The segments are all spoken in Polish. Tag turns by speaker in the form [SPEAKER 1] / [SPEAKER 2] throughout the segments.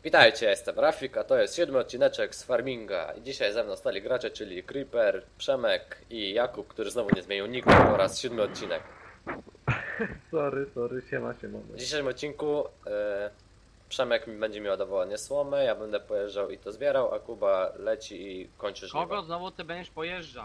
[SPEAKER 1] Witajcie, jestem Rafik, a to jest 7 odcineczek z Farminga. I dzisiaj ze mną stali gracze, czyli Creeper, Przemek i Jakub, który znowu nie zmienił niku po raz 7 odcinek.
[SPEAKER 2] Sorry, siema.
[SPEAKER 1] W dzisiejszym odcinku Przemek mi będzie mi ładował słomę, ja będę pojeżdżał i to zbierał, a Kuba leci i kończy żniwo.
[SPEAKER 3] Kogo znowu ty będziesz pojeżdżał?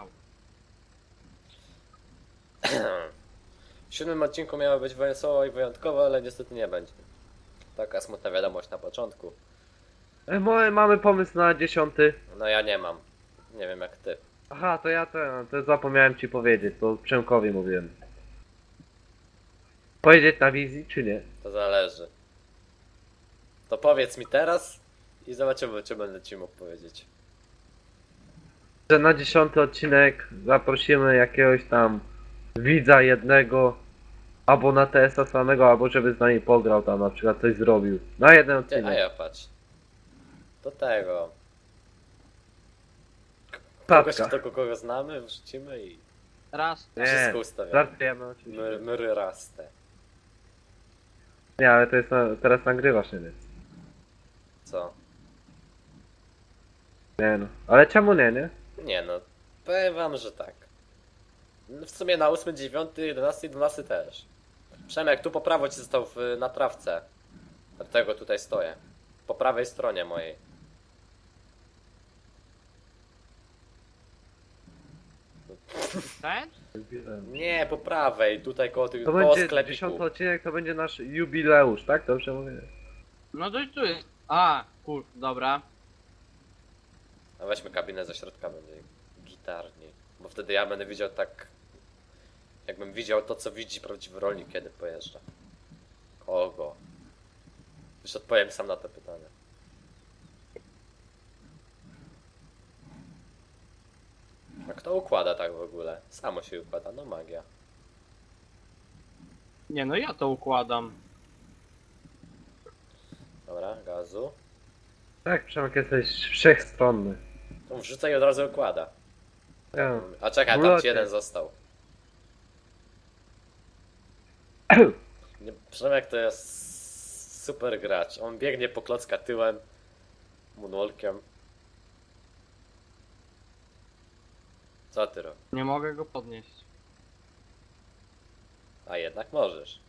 [SPEAKER 1] W 7 odcinku miało być wesoło i wyjątkowo, ale niestety nie będzie. Taka smutna wiadomość na początku.
[SPEAKER 2] Mamy pomysł na 10.
[SPEAKER 1] No ja nie mam. Nie wiem jak ty.
[SPEAKER 2] Aha, to zapomniałem ci powiedzieć, to Przemkowi mówiłem. Pojedzieć na wizji, czy nie?
[SPEAKER 1] To zależy. To powiedz mi teraz i zobaczymy, czy będę ci mógł powiedzieć.
[SPEAKER 2] Że na 10 odcinek zaprosimy jakiegoś tam widza jednego, albo na TS-a samego, albo żeby z nami pograł tam, na przykład coś zrobił. Na jeden
[SPEAKER 1] Ty, a
[SPEAKER 2] odcinek.
[SPEAKER 1] ja patrz. Do tego. Kogoś, kogo znamy, wrzucimy i
[SPEAKER 3] Raz.
[SPEAKER 2] Nie,
[SPEAKER 1] wszystko ustawiamy.
[SPEAKER 2] żartujemy oczywiście.
[SPEAKER 1] Myry raste.
[SPEAKER 2] Nie, ale to jest teraz nagrywasz, nie?
[SPEAKER 1] Co?
[SPEAKER 2] Nie no. Ale czemu nie?
[SPEAKER 1] Nie no, powiem wam, że tak. No w sumie na 8, 9, 11, 12 też. Przemek, tu po prawo ci został na trawce. Dlatego tutaj stoję. Po prawej stronie mojej.
[SPEAKER 3] Ten?
[SPEAKER 1] Nie, po prawej, tutaj koło,
[SPEAKER 2] To
[SPEAKER 1] koło
[SPEAKER 2] będzie 10
[SPEAKER 1] sklepiku.
[SPEAKER 2] odcinek, to będzie nasz jubileusz, tak? Dobrze mówię?
[SPEAKER 3] No to tu jest. A, dobra.
[SPEAKER 1] A weźmy kabinę ze środka, będzie gitarniej. Bo wtedy ja będę widział tak... Jakbym widział to, co widzi prawdziwy rolnik, kiedy pojeżdża. Kogo? Już odpowiem sam na to pytanie. A kto układa tak w ogóle? Samo się układa, no magia.
[SPEAKER 3] Nie no, ja to układam.
[SPEAKER 1] Dobra, gazu.
[SPEAKER 2] Tak, Przemek, jesteś wszechstronny.
[SPEAKER 1] To wrzuca i od razu układa.
[SPEAKER 2] Ja.
[SPEAKER 1] A czekaj, tam
[SPEAKER 2] Ulocie.
[SPEAKER 1] ci jeden został. Nie, Przemek to jest super gracz. On biegnie po klocka tyłem, moonwalkiem. Co ty robisz?
[SPEAKER 3] Nie mogę go podnieść.
[SPEAKER 1] A jednak możesz.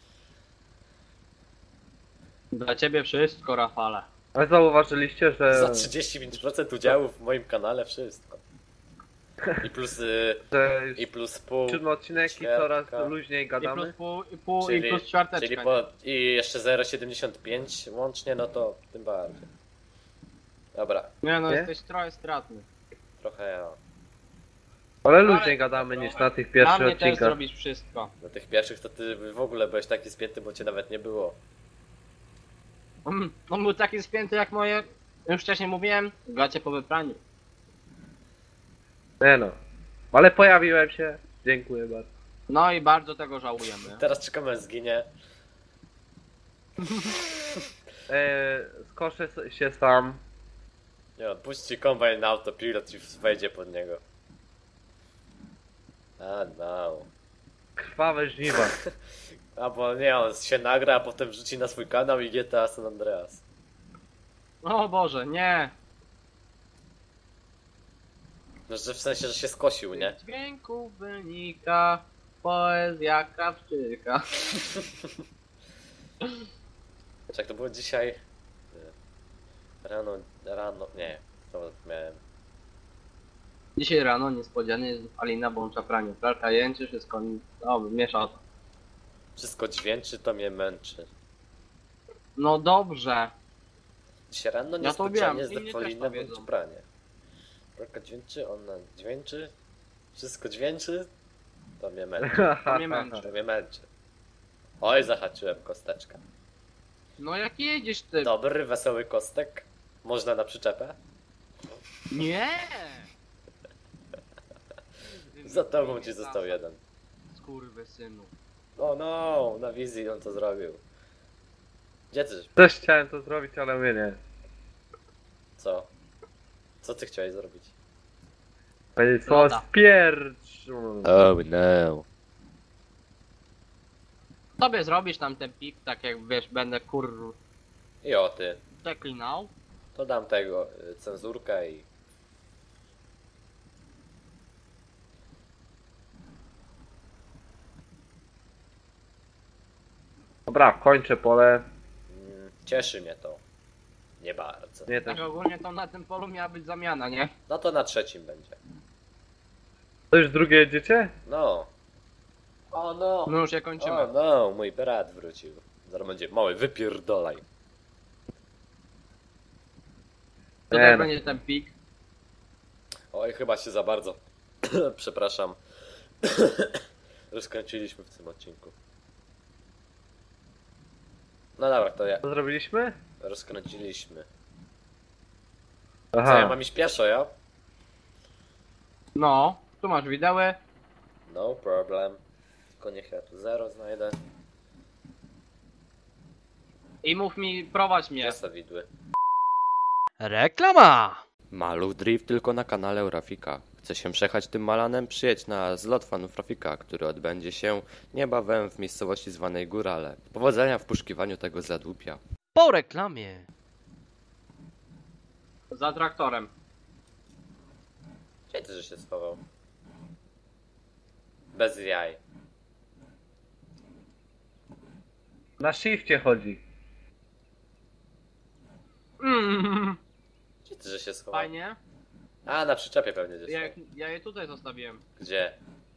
[SPEAKER 3] Dla ciebie wszystko, Rafale.
[SPEAKER 2] Ale zauważyliście, że...
[SPEAKER 1] Za 35% udziału w moim kanale wszystko. I plus,
[SPEAKER 2] że już
[SPEAKER 1] i plus pół.
[SPEAKER 2] 7 odcinek i
[SPEAKER 1] ćwiartka.
[SPEAKER 2] coraz luźniej
[SPEAKER 3] I plus
[SPEAKER 2] gadamy?
[SPEAKER 3] pół i plus ćwiarteczka.
[SPEAKER 1] czyli i jeszcze 0,75 łącznie, no to tym bardziej. Dobra,
[SPEAKER 3] Nie no,
[SPEAKER 2] Nie?
[SPEAKER 3] jesteś trochę stratny.
[SPEAKER 1] trochę ja.
[SPEAKER 2] Ale luźniej gadamy niż na tych
[SPEAKER 3] Dla
[SPEAKER 2] pierwszych
[SPEAKER 3] mnie też
[SPEAKER 2] odcinkach.
[SPEAKER 3] zrobisz wszystko.
[SPEAKER 1] Na tych pierwszych to ty w ogóle byłeś taki spięty, bo cię nawet nie było.
[SPEAKER 3] On był taki spięty jak moje. Już wcześniej mówiłem, gacie po wypraniu.
[SPEAKER 2] Nie no. Ale pojawiłem się. Dziękuję bardzo.
[SPEAKER 3] No i bardzo tego żałujemy.
[SPEAKER 1] Teraz czekamy, aż zginie.
[SPEAKER 2] Skoszę się sam.
[SPEAKER 1] Nie, puści kombajn na autopilot i wejdzie pod niego. A no.
[SPEAKER 2] Krwawe żniwa.
[SPEAKER 1] Albo nie, on się nagra, a potem wrzuci na swój kanał i GTA San Andreas.
[SPEAKER 3] O Boże, nie!
[SPEAKER 1] No, że w sensie, że się skosił, nie?
[SPEAKER 3] Z dźwięku wynika poezja krawczyka.
[SPEAKER 1] Jak to było dzisiaj? Rano, nie. To miałem.
[SPEAKER 3] Dzisiaj rano niespodzianie Alina włącza pranie. Pralka jęczy, wszystko miesza to.
[SPEAKER 1] Wszystko dźwięczy, to mnie męczy.
[SPEAKER 3] No dobrze.
[SPEAKER 1] Dzisiaj rano
[SPEAKER 3] Ja to wiem,
[SPEAKER 1] niespodzianie z
[SPEAKER 3] inni też
[SPEAKER 1] Defolina
[SPEAKER 3] to
[SPEAKER 1] włączy
[SPEAKER 3] wiedzą.
[SPEAKER 1] pranie. Pralka dźwięczy, ona dźwięczy. Wszystko dźwięczy, to mnie męczy.
[SPEAKER 3] To mnie męczy.
[SPEAKER 1] To mnie męczy. Oj, zahaczyłem kosteczkę.
[SPEAKER 3] No jak jedziesz ty?
[SPEAKER 1] Dobry, wesoły kostek. Można na przyczepę?
[SPEAKER 3] Nie!
[SPEAKER 1] Za tobą ci został jeden.
[SPEAKER 3] Skurwysynu.
[SPEAKER 1] O no, na wizji on to zrobił. Gdzie ty?
[SPEAKER 2] Też chciałem to zrobić, ale mnie nie.
[SPEAKER 1] Co? Co ty chciałeś zrobić?
[SPEAKER 2] Powiedzieć słowo
[SPEAKER 3] Loda.
[SPEAKER 2] spiercz.
[SPEAKER 1] Oh no.
[SPEAKER 3] Tobie zrobisz tam ten pik, tak jak wiesz, będę
[SPEAKER 1] I o ty.
[SPEAKER 3] Przeklinał.
[SPEAKER 1] To dam tego cenzurkę i...
[SPEAKER 2] Dobra, kończę pole.
[SPEAKER 1] Cieszy mnie to. Nie bardzo.
[SPEAKER 2] Nie też.
[SPEAKER 3] Tak ogólnie to na tym polu miała być zamiana, nie?
[SPEAKER 1] No to na trzecim będzie.
[SPEAKER 2] To już drugie jedziecie?
[SPEAKER 1] No. O no.
[SPEAKER 3] No już je kończymy.
[SPEAKER 1] O no, mój brat wrócił. Zaraz będzie mały, wypierdolaj.
[SPEAKER 3] Tutaj
[SPEAKER 2] Nie no.
[SPEAKER 3] będzie ten pik.
[SPEAKER 1] Oj, chyba się za bardzo, przepraszam, rozkręciliśmy w tym odcinku. No dobra, to ja
[SPEAKER 2] Co zrobiliśmy?
[SPEAKER 1] rozkręciliśmy. Co, ja
[SPEAKER 2] Aha.
[SPEAKER 1] mam iść pieszo, ja?
[SPEAKER 3] No, tu masz widełę.
[SPEAKER 1] No problem. Tylko niech ja tu zero znajdę.
[SPEAKER 3] I mów mi, prowadź mnie.
[SPEAKER 1] Gdzie są widły?
[SPEAKER 4] Reklama!
[SPEAKER 1] Maluch Drift tylko na kanale Rafika. Chce się przejechać tym Malanem? Przyjedź na zlot fanów Rafika, który odbędzie się niebawem w miejscowości zwanej Górale. Powodzenia w poszukiwaniu tego zadłupia.
[SPEAKER 4] Po reklamie.
[SPEAKER 3] Za traktorem.
[SPEAKER 1] Gdzie ty, że się schował? Bez jaj.
[SPEAKER 2] Na shifcie chodzi.
[SPEAKER 1] Gdzie ty, że się schował?
[SPEAKER 3] Fajnie.
[SPEAKER 1] A, na przyczepie pewnie gdzieś.
[SPEAKER 3] Ja je tutaj zostawiłem.
[SPEAKER 1] Gdzie?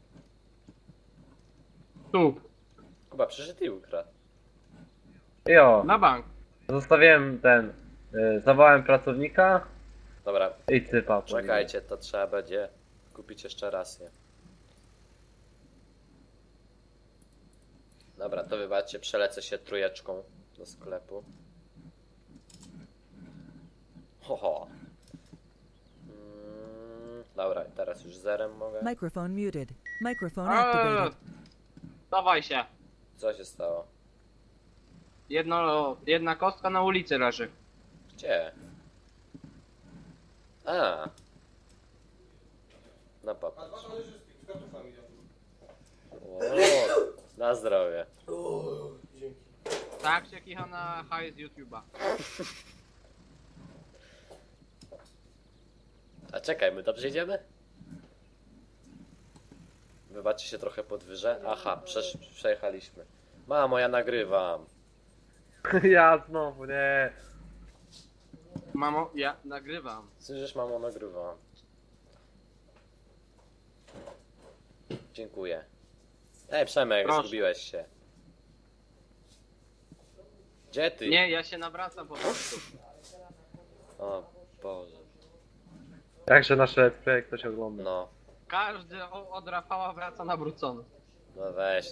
[SPEAKER 3] Tu,
[SPEAKER 1] Kuba, przyszedł i ukradł.
[SPEAKER 2] Jo.
[SPEAKER 3] na bank.
[SPEAKER 2] Zostawiłem ten. Zawołałem pracownika
[SPEAKER 1] Dobra,
[SPEAKER 2] i cypa.
[SPEAKER 1] czekajcie, to trzeba będzie kupić jeszcze raz je. Dobra, to wybaczcie, przelecę się trójeczką do sklepu. Ho, ho. Dobra, teraz już zerem mogę.
[SPEAKER 5] Microphone muted. Microphone activated.
[SPEAKER 3] Dawaj się.
[SPEAKER 1] Co się stało?
[SPEAKER 3] Jedna kostka na ulicy leży.
[SPEAKER 1] Gdzie? A. No popatrz. O, na zdrowie.
[SPEAKER 3] Tak się kicha na hajs z YouTube'a.
[SPEAKER 1] A czekaj, my dobrze idziemy? Wybaczcie się trochę podwyżę. Aha, przejechaliśmy. Mamo, ja nagrywam.
[SPEAKER 2] Ja znowu, nie.
[SPEAKER 3] Mamo, ja nagrywam.
[SPEAKER 1] Słyszysz, mamo, nagrywam. Dziękuję. Ej, Przemek,
[SPEAKER 3] Proszę.
[SPEAKER 1] zgubiłeś się. Gdzie ty?
[SPEAKER 3] Nie, ja się nawracam po prostu.
[SPEAKER 1] O Boże.
[SPEAKER 2] Jakże nasze let's play ktoś ogląda.
[SPEAKER 1] No,
[SPEAKER 3] Każdy od Rafała wraca nawrócony.
[SPEAKER 1] no weź.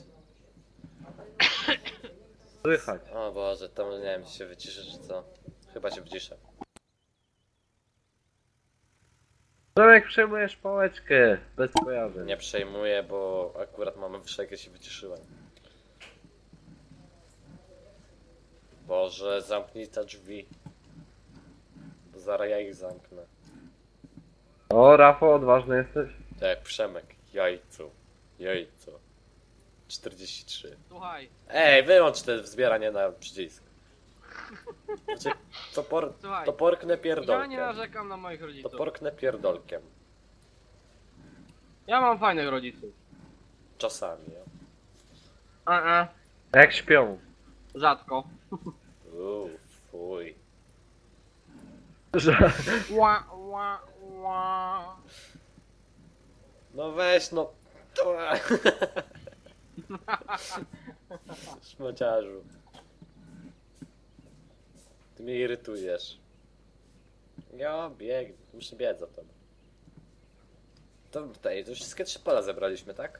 [SPEAKER 2] Słychać.
[SPEAKER 1] O Boże, to nie wiem, czy się wyciszę, czy co. Chyba się wyciszę.
[SPEAKER 2] Tomek, przejmujesz pałeczkę. Bez kojarzeń.
[SPEAKER 1] Nie przejmuję, bo akurat mamy wyższego, się wyciszyłem. Boże, zamknij te drzwi. Bo zaraz ja ich zamknę.
[SPEAKER 2] O, Rafał, odważny jesteś.
[SPEAKER 1] Tak jak Przemek, jajcu. Jajco. 43.
[SPEAKER 3] Słuchaj,
[SPEAKER 1] Ej, wyłącz te wzbieranie na przycisk. Znaczy,
[SPEAKER 3] słuchaj.
[SPEAKER 1] to porknę
[SPEAKER 3] Ja nie
[SPEAKER 1] pierdolkiem.
[SPEAKER 3] narzekam na moich
[SPEAKER 1] To
[SPEAKER 3] rodziców.
[SPEAKER 1] porknę pierdolkiem.
[SPEAKER 3] Ja mam fajnych rodziców.
[SPEAKER 1] Czasami, ja.
[SPEAKER 2] Jak śpią.
[SPEAKER 3] Rzadko.
[SPEAKER 1] Fuj.
[SPEAKER 2] Że...
[SPEAKER 3] Ła, ła, ła.
[SPEAKER 1] No weź, no. To... Szmociarzu. Ty mnie irytujesz. Ja bieg, muszę biec za tobą. To tutaj, to wszystkie 3 pola zebraliśmy, tak?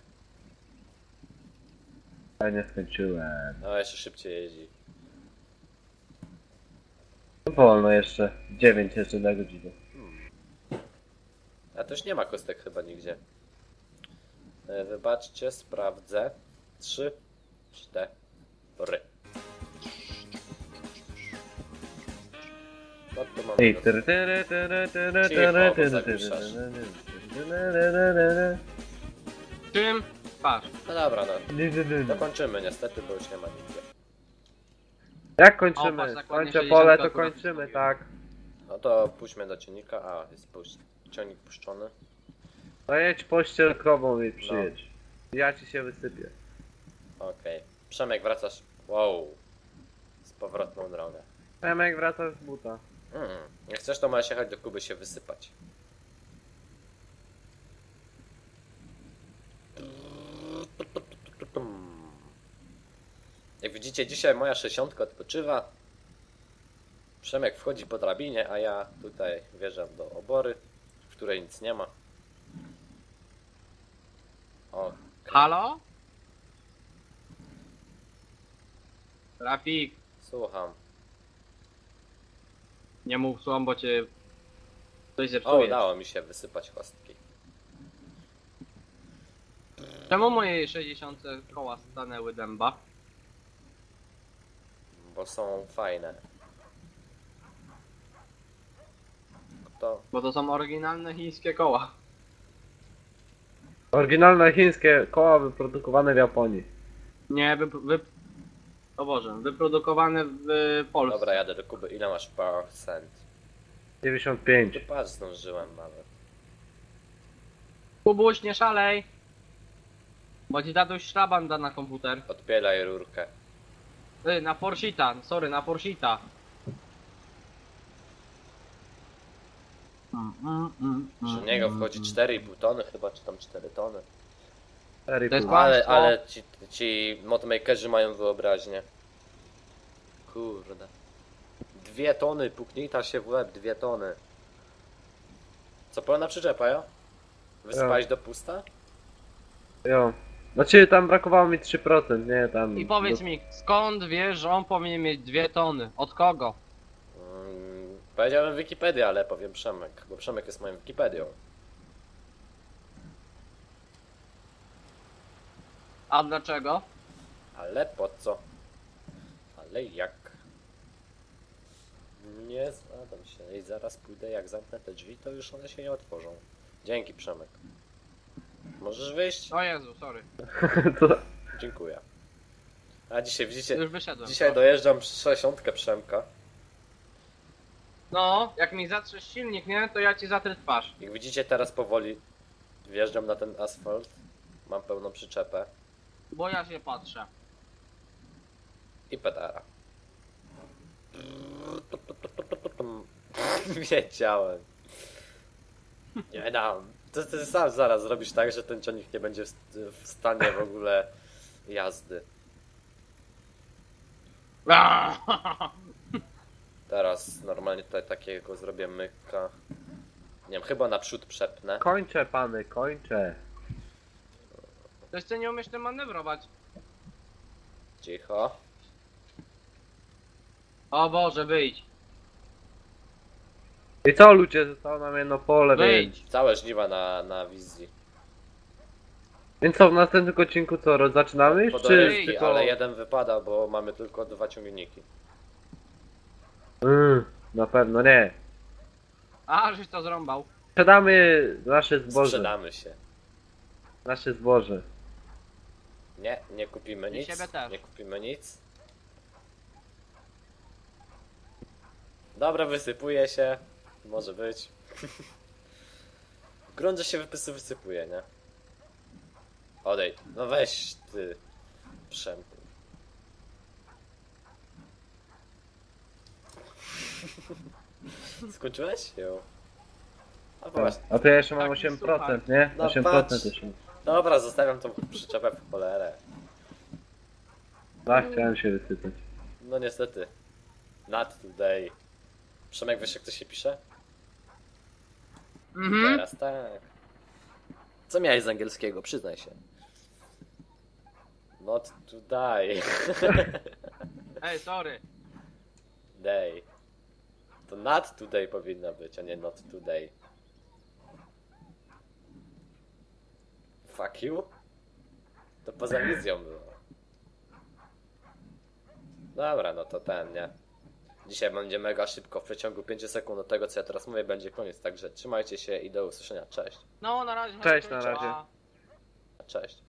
[SPEAKER 2] Ja nie skończyłem.
[SPEAKER 1] No jeszcze szybciej jeździ.
[SPEAKER 2] Wolno jeszcze. 9 jeszcze na godzinę.
[SPEAKER 1] A to już nie ma kostek chyba nigdzie. Wybaczcie, sprawdzę. 3, 4. No tu mamy.
[SPEAKER 2] Ej, tyry, tyry, tyry, tyry,
[SPEAKER 1] Cicho,
[SPEAKER 2] tyry,
[SPEAKER 1] bo
[SPEAKER 2] tyry,
[SPEAKER 1] zagłuszasz.
[SPEAKER 3] Czym? Patrz.
[SPEAKER 1] No dobra, no.
[SPEAKER 2] tyry.
[SPEAKER 1] Dokończymy niestety, bo już nie ma nigdzie.
[SPEAKER 2] Jak
[SPEAKER 3] O,
[SPEAKER 2] kończymy?
[SPEAKER 3] patrz, zakładnie
[SPEAKER 2] Kończę pole,
[SPEAKER 3] 60
[SPEAKER 2] to
[SPEAKER 3] akurat
[SPEAKER 2] kończymy,
[SPEAKER 3] ustawiłem.
[SPEAKER 2] tak.
[SPEAKER 1] No to pójdźmy do ciągnika. A, jest ciągnik puszczony.
[SPEAKER 2] No jedź pościel krową i przyjedź. Ja ci się wysypię.
[SPEAKER 1] Okej. Przemek, wracasz. Wow. Z powrotną drogę.
[SPEAKER 2] Przemek wraca z buta.
[SPEAKER 1] Jak chcesz, to możesz jechać do Kuby się wysypać. Jak widzicie, dzisiaj moja 60 odpoczywa. Przemek wchodzi po drabinie, a ja tutaj wjeżdżam do obory, w której nic nie ma. O,
[SPEAKER 3] Halo? Trafik,
[SPEAKER 1] słucham.
[SPEAKER 3] nie mów słom, bo cię coś
[SPEAKER 1] O,
[SPEAKER 3] zepsuje.
[SPEAKER 1] udało mi się wysypać kostki.
[SPEAKER 3] Czemu moje 60 koła stanęły dęba?
[SPEAKER 1] Bo są fajne. Kto?
[SPEAKER 3] Bo to są oryginalne chińskie koła.
[SPEAKER 2] Oryginalne chińskie koła wyprodukowane w Japonii.
[SPEAKER 3] Nie, o Boże, wyprodukowane w Polsce.
[SPEAKER 1] Dobra, jadę do Kuby. Ile masz procent?
[SPEAKER 2] 95.
[SPEAKER 1] Ty patrz, zdążyłem nawet.
[SPEAKER 3] Kubuś, nie szalej! Bo ci tatuś szlaban da na komputer.
[SPEAKER 1] Odpielaj rurkę.
[SPEAKER 3] Na Forshita, sorry, na Forshita.
[SPEAKER 1] Przy niego wchodzi 4,5 tony chyba, czy tam 4 tony.
[SPEAKER 3] To jest
[SPEAKER 2] 4,5.
[SPEAKER 3] kłamstwo.
[SPEAKER 1] Ale ci modmakerzy mają wyobraźnię. Kurde. 2 tony, puknita się w łeb, 2 tony. Co pełna przyczepa, jo? Wysypałeś do pusta?
[SPEAKER 2] Jo. Znaczy tam brakowało mi 3%, nie tam.
[SPEAKER 3] I powiedz mi, skąd wiesz, że on powinien mieć 2 tony? Od kogo?
[SPEAKER 1] Powiedziałem Wikipedia, ale powiem Przemek, bo Przemek jest moją Wikipedią.
[SPEAKER 3] A dlaczego?
[SPEAKER 1] Ale po co? Ale jak? Nie zgadzam się i zaraz pójdę, jak zamknę te drzwi, to już one się nie otworzą. Dzięki Przemek. Możesz wyjść?
[SPEAKER 3] O Jezu, sorry.
[SPEAKER 2] To,
[SPEAKER 1] Dziękuję. A dzisiaj widzicie,
[SPEAKER 3] Już wyszedłem.
[SPEAKER 1] dzisiaj dojeżdżam 60 Przemka.
[SPEAKER 3] No, jak mi zatrzesz silnik, nie? To ja ci zatrę twarz.
[SPEAKER 1] Jak widzicie, teraz powoli wjeżdżam na ten asfalt. Mam pełną przyczepę
[SPEAKER 3] Bo ja się patrzę.
[SPEAKER 1] i pedara. Wiedziałem. Nie dam. Ty sam zaraz zrobisz tak, że ten ciągnik nie będzie w stanie w ogóle jazdy. Teraz normalnie tutaj takiego zrobię myka. Nie wiem, chyba naprzód przepnę.
[SPEAKER 2] kończę pany, kończę.
[SPEAKER 3] To jeszcze nie umiesz tym manewrować.
[SPEAKER 1] Cicho.
[SPEAKER 3] O Boże, wyjdź.
[SPEAKER 2] I co ludzie, zostało nam jedno pole, więc.
[SPEAKER 3] Wyjdź.
[SPEAKER 1] Całe żniwa na wizji.
[SPEAKER 2] Więc co, w następnym odcinku co, zaczynamy już, czy
[SPEAKER 1] Podorywki,
[SPEAKER 2] tylko...
[SPEAKER 1] ale jeden wypada, bo mamy tylko 2 ciągniki.
[SPEAKER 2] Na pewno nie.
[SPEAKER 3] A, żeś to zrąbał.
[SPEAKER 2] Sprzedamy nasze zboże.
[SPEAKER 1] Sprzedamy się.
[SPEAKER 2] Nasze zboże.
[SPEAKER 1] Nie, nie kupimy
[SPEAKER 3] I
[SPEAKER 1] nic.
[SPEAKER 3] siebie też.
[SPEAKER 1] Nie kupimy nic. Dobra, wysypuje się. Może być. Grunt, że się wysypuje, nie? Odejdź. No weź ty. Przemku. Skończyłeś? Jo. A właśnie.
[SPEAKER 2] A to ja jeszcze mam
[SPEAKER 3] Taki
[SPEAKER 2] 8%,
[SPEAKER 3] słuchaj.
[SPEAKER 2] nie?
[SPEAKER 1] No
[SPEAKER 2] 8%
[SPEAKER 1] patrz.
[SPEAKER 2] jeszcze.
[SPEAKER 1] Dobra, zostawiam tą przyczepę w cholerę.
[SPEAKER 2] Tak, chciałem się wysypać.
[SPEAKER 1] No niestety. Not today. Przemek, wiesz jak to się pisze?
[SPEAKER 3] Mhm.
[SPEAKER 1] Teraz tak. Co miałeś z angielskiego? Przyznaj się. Not today.
[SPEAKER 3] Ej, sorry.
[SPEAKER 1] Day. To not today powinna być, a nie not today. Fuck you? To poza wizją było. Dobra, no to ten, nie? Dzisiaj będzie mega szybko, w przeciągu 5 sekund do tego co ja teraz mówię będzie koniec, także trzymajcie się i do usłyszenia, cześć.
[SPEAKER 3] No, na razie.
[SPEAKER 2] Cześć, na
[SPEAKER 3] kończę.
[SPEAKER 2] razie.
[SPEAKER 3] Pa.
[SPEAKER 1] Cześć.